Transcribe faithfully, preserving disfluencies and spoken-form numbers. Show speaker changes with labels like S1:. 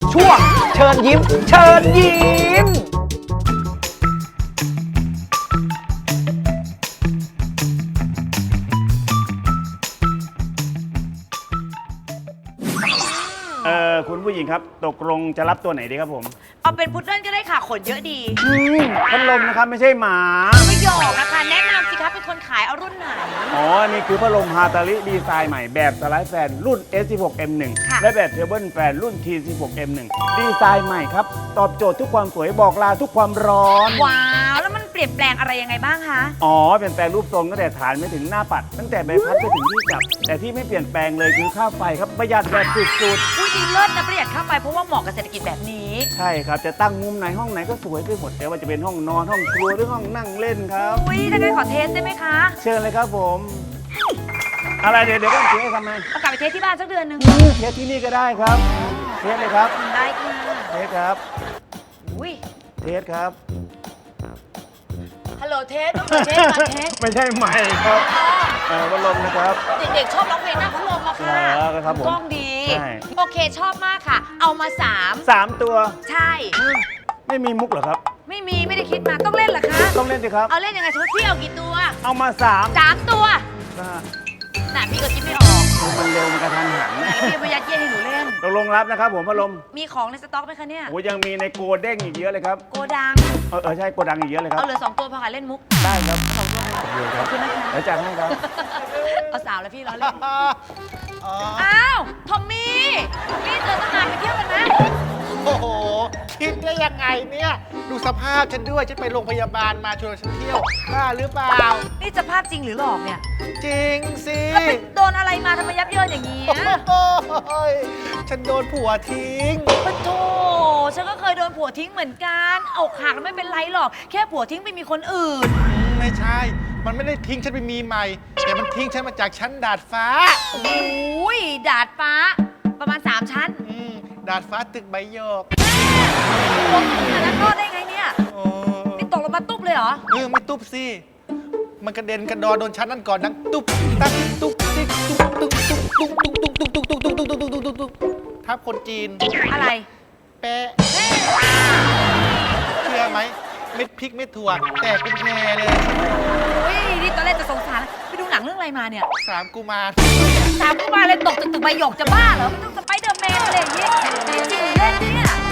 S1: ช่วงเชิญยิ้มเชิญยิ้ม
S2: เออคุณผู้หญิงครับตกลงจะรับตัวไหนดีครับผม
S3: เอาเป็นพุดเดิ้ลก็ได้ค่ะขนเยอะดี
S2: อืมพัดลมนะครับไม่ใช่หมา
S3: ไม่หยอกนะคะแนะนำสิคะเป็นคนขายเอารุ่นไหน
S2: อ๋อ นี่คือพัดลมฮาตาลิดีไซน์ใหม่แบบสไลด์แฟนรุ่น เอส สิบหก เอ็ม หนึ่ง
S3: ค่ะ
S2: และแบบเทเบิลแฟนรุ่น ที สิบหก เอ็ม หนึ่ง ดีไซน์ใหม่ครับ ตอบโจทย์ทุกความสวยบอกลาทุกความร้อน
S3: ว้าวแล้วมันเปลี่ยนแปลงอะไรยังไงบ้างคะ
S2: อ๋อเปลี่ยนแปลงรูปทรงตั้งแต่ฐานไปถึงหน้าปัด ตั้งแต่ใบพัดไปถึงที่จับ แต่ที่ไม่เปลี่ยนแปลงเลยคือค่าไฟครับประหยัดแบบสุด
S3: อุ้ยดีเลิศนะประหยัดเข้าไปเพราะว่าเหมาะกับเศรษฐกิจแบบนี้
S2: ๆ ใช่ครับ จะตั้งมุมไหนห้องไหนก็สวยไปหมดแต่ว่าจะเป็นห้องนอนห้องครัวหรือห้องนั่งเล่นครับ
S3: อุ้ยถ้างั้นขอเทสได้ไหมคะ
S2: เชิญเลยครับผม อะไรเดี๋ยวเดี๋ยวก็เทสทำไม
S3: เอากลับไปเทสที่บ้านสักเดือนหนึ่ง
S2: เทสที่นี่ก็ได้ครับ เทสเลยครับ
S3: ได้ค่ะ
S2: เทสครับ
S3: อุ้ย
S2: เทสครับ
S3: ฮัลโหลเทสต้องเปิดเทสมาเทส
S2: ไม่ใช่ใหม่ครับเออพัดลมนะครับ
S3: เด็กๆชอบร้องเพลงหน้าพัดลมอะค่ะ
S2: เหรอครับผม
S3: กล้องดี
S2: ใช่
S3: โอเคชอบมากค่ะ เอามาสาม
S2: สามตัว
S3: ใช่
S2: ไม่มีมุกเหรอครับ
S3: ไม่มีไม่ได้คิดมาต้องเล่นเหรอคะ
S2: ต้องเล่นสิครับ
S3: เอาเล่นยังไงสมมติพี่เอากี่ตัว
S2: เอามาสาม
S3: สามตัว
S2: อ่า
S3: น่ะพี่ก็คิดไม่ออก
S2: มันเร็วมันกระทันหัน
S3: แล้วพี่มายัดเยียดให้หนูเล่น
S2: ตกลงรับนะครับผมพัดลม
S3: มีของในสต็อกไหมคะเนี่ย
S2: โอ้ยังมีในโกเด้งอีกเยอะเลยครับ
S3: โกดัง
S2: เออเออใช่โกดังอีกเยอะเลยครั
S3: เอา
S2: บ
S3: เหลือสองตัวพอค่ะเล่นมุก
S2: ได้ครับ
S3: สองตัวพอ
S2: โอเคครับ
S3: ขอบคุณนะคะ
S2: แล้วจัดให้ครับ
S3: เอาสาวแล้วพี่ล้อเล่นอ้าวทอมมี่ทอมมี่เจอตั้งนานไปเที่ยวกันไหม
S4: โอ้โห คิดได้ยังไงเนี่ย ดูสภาพฉันด้วย ฉันไปโรงพยาบาลมาชวนฉันเที่ยวบ้าหรือเปล่า
S3: นี่จะภาพจริงหรือหลอกเนี่ย
S4: จริงสิ
S3: แล้วไปโดนอะไรมาทำไมยับเยินอย่างนี้
S4: โอ้ยฉันโดนผัวทิ้ง
S3: ปะโถฉันก็เคยโดนผัวทิ้งเหมือนกันอกหักแล้วไม่เป็นไรหรอก แค่ผัวทิ้งไปมีคนอื่น
S4: ไม่ใช่ มันไม่ได้ทิ้งฉันไปมีใหม่ แต่มันทิ้งฉันมาจากชั้นดาดฟ้า
S3: โอ้ยดาดฟ้า ประมาณ 3 ชั้น
S4: อืมดาดฟ้าตึกใบหยก
S3: โอ้ขนาดนั้นรอดได้ไงเนี่ย
S4: โอ้
S3: นี่ตกลงมาตุ๊บเลยเหรอ
S4: เออไม่ตุ๊บสิ มันกระเด็นกระดอนโดนชั้นนั้นก่อนดังตุ๊บตักตุ๊บติ๊กตุ๊บตุ๊บตุ๊บตุ๊บตุ๊บตุ๊บตุ๊บตุ๊บตุ๊บตุ๊บตุ๊บตุ๊บตุ๊บตุ๊บทับคนจีน
S3: อะไร
S4: แปะเชื่อไหมเม็ดพริกเม็ดถั่วแตกเป็นแพรเลย
S3: โอ้ยนี่ตอนแรกจะสงสารไปดูหนังเรื่องอะไรมาเนี่ย
S4: สามกุมาร
S3: สามกุมารเลยตกจากตึกใบหยกจะบ้าเหรอมันต้องสไปเดอร์แมนอะไรอย่างงี้จริงๆเล่นเนี่ย